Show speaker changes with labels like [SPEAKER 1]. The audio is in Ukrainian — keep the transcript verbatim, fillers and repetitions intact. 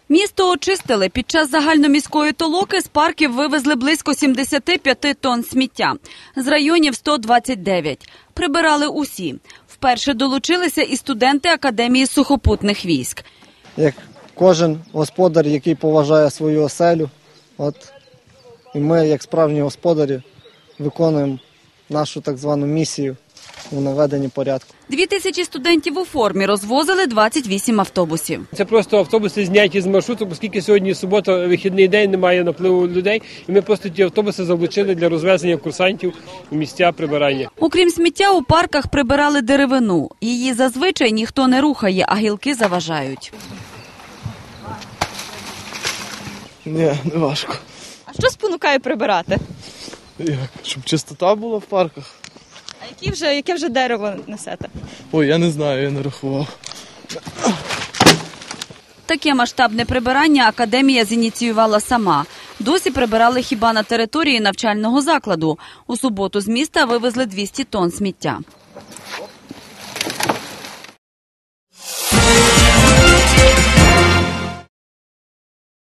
[SPEAKER 1] Місто очистили. Під час загальноміської толоки з парків вивезли близько сімдесят п'ять тонн сміття. З районів – сто двадцять дев'ять. Прибирали усі. Вперше долучилися і студенти Академії сухопутних військ.
[SPEAKER 2] Як кожен господар, який поважає свою оселю, от, і ми, як справжні господарі, виконуємо нашу так звану місію у наведенні порядку.
[SPEAKER 1] Дві тисячі студентів у формі розвозили двадцять вісім автобусів.
[SPEAKER 3] Це просто автобуси зняті з маршруту, оскільки сьогодні субота, вихідний день, немає напливу людей. І ми просто ті автобуси залучили для розвезення курсантів у місця прибирання.
[SPEAKER 1] Окрім сміття, у парках прибирали деревину. Її зазвичай ніхто не рухає, а гілки заважають.
[SPEAKER 4] Ні, не важко.
[SPEAKER 5] А що спонукає прибирати?
[SPEAKER 4] Як? Щоб чистота була в парках.
[SPEAKER 5] А які вже, яке вже дерево несете?
[SPEAKER 4] Ой, я не знаю, я не рахував.
[SPEAKER 1] Таке масштабне прибирання Академія зініціювала сама. Досі прибирали хіба на території навчального закладу. У суботу з міста вивезли двісті тонн сміття.